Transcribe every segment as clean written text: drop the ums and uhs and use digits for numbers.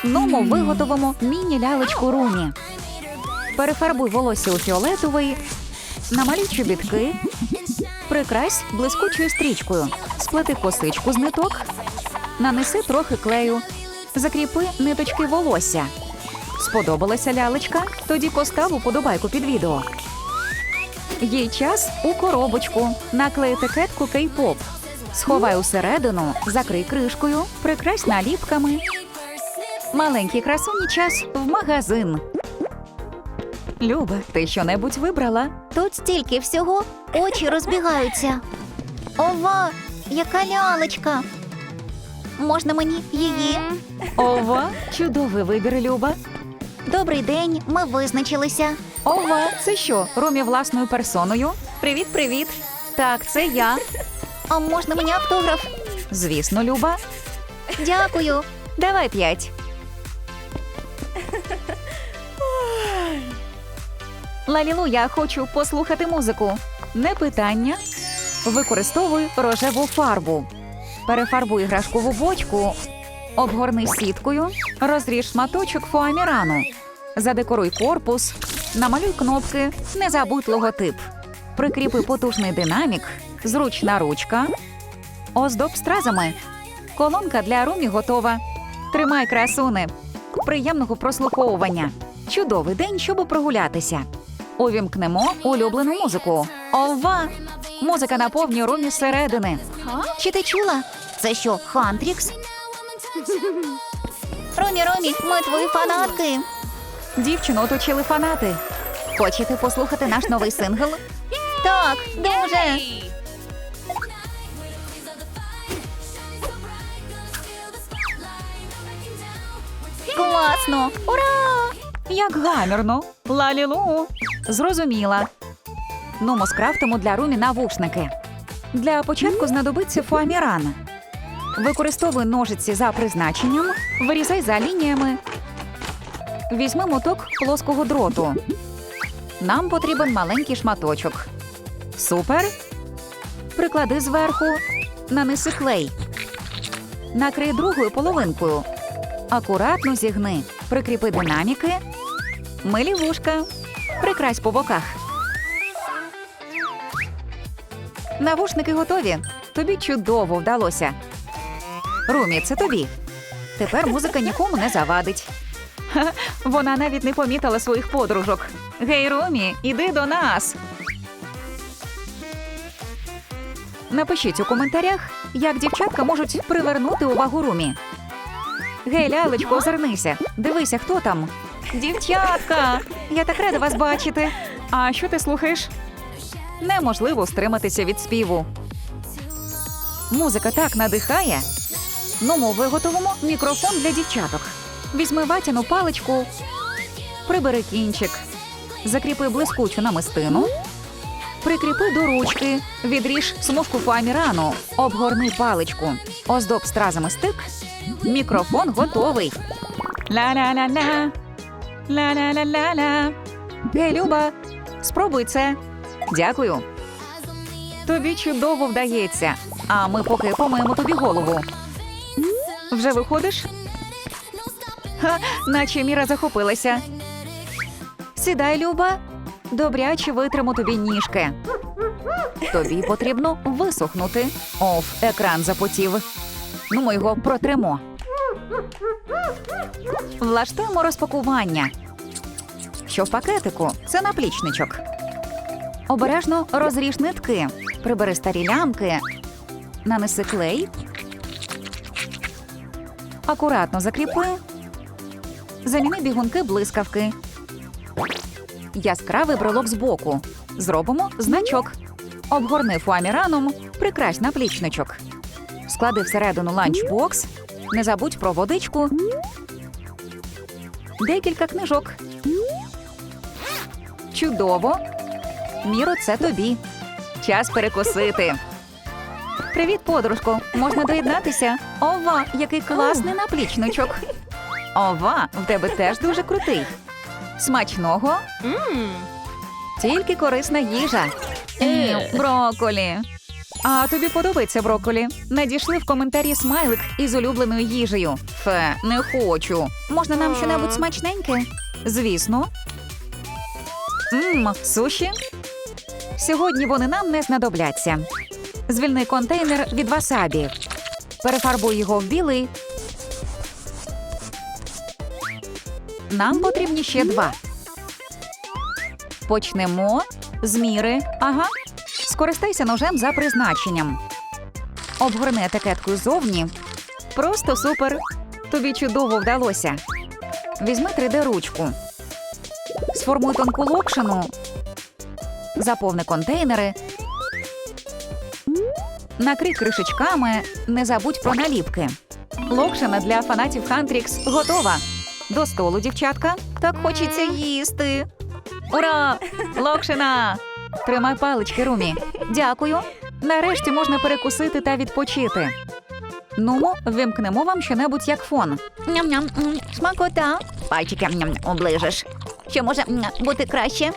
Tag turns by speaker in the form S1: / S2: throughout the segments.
S1: Ну, ми виготовимо міні-лялечку Румі. Перефарбуй волосся у фіолетовий, намалюй чобітки, прикрась блискучою стрічкою, сплети косичку з ниток, нанеси трохи клею, закріпи ниточки волосся. Сподобалася лялечка? Тоді постав уподобайку під відео. Їй час у коробочку. Наклей етикетку Кей-поп. Сховай усередину, закрий кришкою, прикрась наліпками. Маленькій красуні час в магазин. Люба, ти що-небудь вибрала?
S2: Тут стільки всього, очі розбігаються. Ова, яка лялечка! Можна мені її?
S1: Ова, чудовий вибір, Люба.
S2: Добрий день, ми визначилися.
S1: Ова, це що, Румі власною персоною? Привіт-привіт. Так, це я.
S2: А можна мені автограф?
S1: Звісно, Люба.
S2: Дякую.
S1: Давай 5. Лалілу, я хочу послухати музику. Не питання. Використовуй рожеву фарбу. Перефарбуй іграшкову бочку. Обгорни сіткою. Розріж шматочок фоамірану. Задекоруй корпус. Намалюй кнопки. Не забудь логотип. Прикріпи потужний динамік. Зручна ручка. Оздоб стразами. Колонка для Румі готова. Тримай, красуне. Приємного прослуховування. Чудовий день, щоб прогулятися. Увімкнемо улюблену музику. Ова! Музика наповнює Румі зсередини.
S2: Чи ти чула? Це що, Хантрікс? Ромі, ми твої фанатки.
S1: Дівчину оточили фанати. Хочете послухати наш новий сингл?
S2: Так, дуже. Класно! Ура!
S1: Як гамірно. Лалілу. Зрозуміла. Нумо скрафтимо для Румі навушники. Для початку знадобиться фоаміран. Використовуй ножиці за призначенням, вирізай за лініями. Візьми моток плоского дроту. Нам потрібен маленький шматочок. Супер. Приклади зверху. Нанеси клей. Накрий другою половинкою. Акуратно зігни. Прикріпи динаміки. Милі вушка. Прикрась по боках. Навушники готові. Тобі чудово вдалося. Румі, це тобі. Тепер музика нікому не завадить. Ха, вона навіть не помітила своїх подружок. Гей, Румі, іди до нас. Напишіть у коментарях, як дівчатка можуть привернути увагу Румі. Гей, лялечко, озирнися. Дивися, хто там. Дівчатка! Я так рада вас бачити. А що ти слухаєш? Неможливо стриматися від співу. Музика так надихає. Ну, ми виготовимо мікрофон для дівчаток. Візьми ватяну паличку, прибери кінчик, закріпи блискучу намистину, прикріпи до ручки, відріж смужку фоамірану, обгорни паличку, оздоб стразами стик. Мікрофон готовий. Ла-ла-ла-ла, ла-ла-ла-ла-ла. Гей, Люба, спробуй це. Дякую. Тобі чудово вдається, а ми поки помиємо тобі голову. Вже виходиш? Ха, наче Міра захопилася. Сідай, Люба. Добряче витримо тобі ніжки. Тобі потрібно висохнути. Оф, екран запотів. Ну, ми його протримо. Влаштуємо розпакування. Що в пакетику? Це наплічничок. Обережно розріж нитки. Прибери старі лямки. Нанеси клей. Акуратно закріпи. Заміни бігунки блискавки. Яскравий брелок збоку. Зробимо значок. Обгорни фоаміраном, прикрась наплічничок. Склади всередину ланчбокс. Не забудь про водичку. Декілька книжок. Чудово. Міро, це тобі. Час перекусити. Привіт, подружко. Можна доєднатися? Ова, який класний наплічничок. Ова, в тебе теж дуже крутий. Смачного. Тільки корисна їжа. Брокколі. А тобі подобається брокколі? Надійшли в коментарі смайлик із улюбленою їжею. Фе, не хочу.
S2: Можна нам щонебудь смачненьке?
S1: Звісно. Суші? Сьогодні вони нам не знадобляться. Звільни контейнер від васабі. Перефарбуй його в білий. Нам потрібні ще 2. Почнемо з міри. Ага. Скористайся ножем за призначенням. Обгорни етикетку ззовні. Просто супер. Тобі чудово вдалося. Візьми 3D-ручку. Сформуй тонку локшину. Заповни контейнери. Накрий кришечками. Не забудь про наліпки. Локшина для фанатів Хантрікс готова. До столу, дівчатка. Так хочеться їсти. Ура! Локшина! Тримай палички, Румі. Дякую. Нарешті можна перекусити та відпочити. Нумо, вимкнемо вам щонебудь як фон.
S2: Ням-ням, смакота. Пальчики оближеш. Що може бути краще?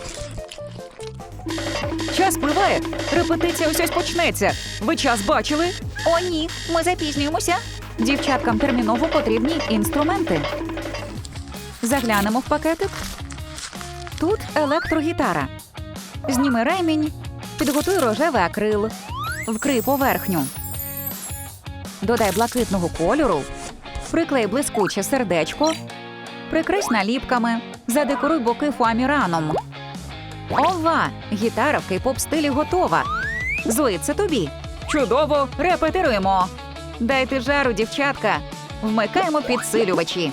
S1: Час пливає. Репетиція ось почнеться. Ви час бачили?
S2: О, ні, ми запізнюємося.
S1: Дівчаткам терміново потрібні інструменти. Заглянемо в пакетик. Тут електрогітара. Зніми ремінь, підготуй рожевий акрил, вкрий поверхню. Додай блакитного кольору, приклей блискуче сердечко, прикрись наліпками, задекоруй боки фуаміраном. Ова! Гітара в кей-поп стилі готова. Зої, це тобі. Чудово! Репетируємо! Дайте жару, дівчатка! Вмикаємо підсилювачі.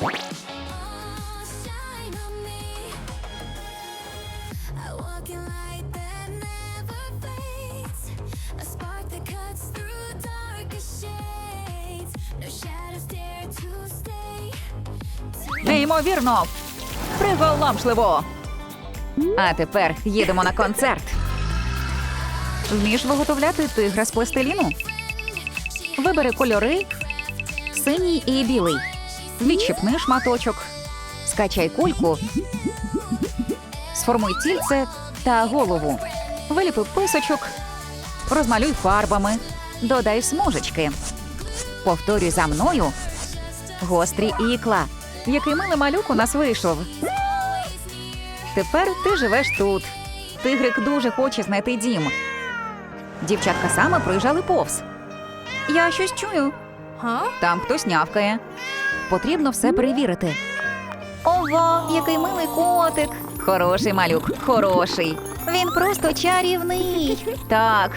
S1: Неймовірно! Приголомшливо! А тепер їдемо на концерт. Вмієш виготовляти тигра з пластиліну? Вибери кольори синій і білий. Відчіпни шматочок. Скачай кульку. Сформуй тільце та голову. Виліпи писочок. Розмалюй фарбами. Додай смужечки. Повторюй за мною. Гострі ікла. Який милий малюк у нас вийшов. Тепер ти живеш тут. Тигрик дуже хоче знайти дім. Дівчатка саме проїжджали повз. Я щось чую. Там хтось нявкає. Потрібно все перевірити.
S2: Ова, який милий котик.
S1: Хороший малюк, хороший.
S2: Він просто чарівний.
S1: Так.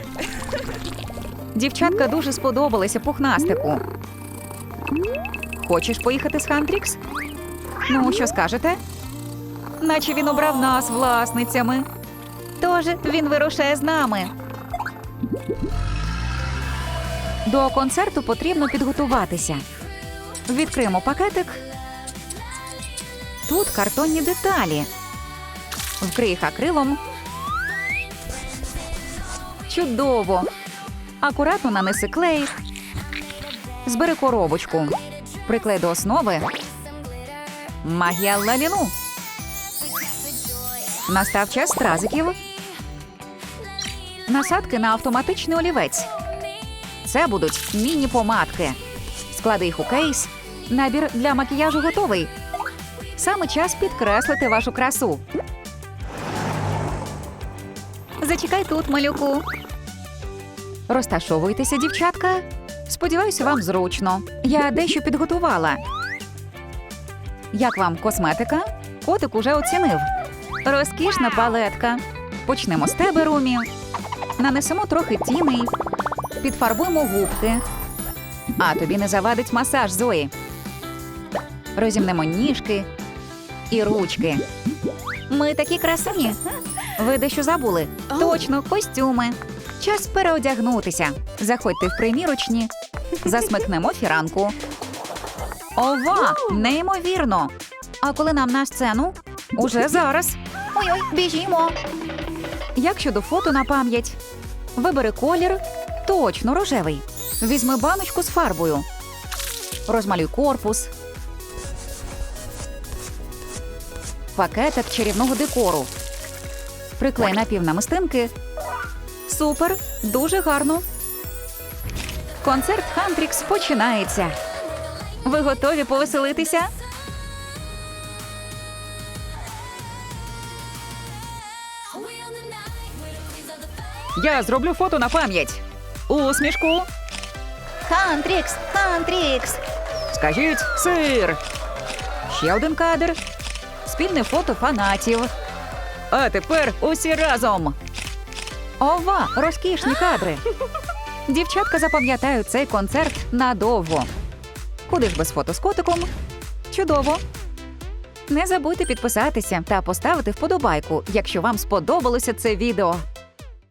S1: Дівчатка дуже сподобалися пухнастику. Хочеш поїхати з Хантрікс? Ну, що скажете? Наче він обрав нас власницями.
S2: Тож він вирушає з нами.
S1: До концерту потрібно підготуватися. Відкриємо пакетик. Тут картонні деталі. Вкрий їх акрилом. Чудово! Акуратно нанеси клей. Збери коробочку. Приклей до основи. Магія Лалілу. Настав час стразиків. Насадки на автоматичний олівець. Це будуть міні-помадки. Склади їх у кейс. Набір для макіяжу готовий. Саме час підкреслити вашу красу.
S2: Зачекай тут, малюку.
S1: Розташовуйтеся, дівчатка. Сподіваюся, вам зручно. Я дещо підготувала. Як вам косметика? Котик уже оцінив. Розкішна палетка. Почнемо з тебе, Румі. Нанесемо трохи тіней. Підфарбуємо губки. А тобі не завадить масаж, Зої. Розімнемо ніжки і ручки.
S2: Ми такі красуні.
S1: Ви дещо забули. Точно, костюми. Час переодягнутися. Заходьте в примірочні. Засмикнемо фіранку. Ова! Неймовірно! А коли нам на сцену? Уже зараз.
S2: Ой-ой, біжімо.
S1: Як щодо фото на пам'ять? Вибери колір. Точно рожевий. Візьми баночку з фарбою. Розмалюй корпус. Пакетик чарівного декору. Приклей напівнамистинки. Супер, дуже гарно. Концерт Хантрікс починається. Ви готові повеселитися? Я зроблю фото на пам'ять. Усмішку.
S2: Хантрікс, Хантрікс.
S1: Скажіть сир. Ще один кадр. Спільне фото фанатів. А тепер усі разом. Ова, розкішні кадри. Дівчатка запам'ятають цей концерт надовго. Куди ж без фото з котиком? Чудово. Не забудьте підписатися та поставити вподобайку, якщо вам сподобалося це відео.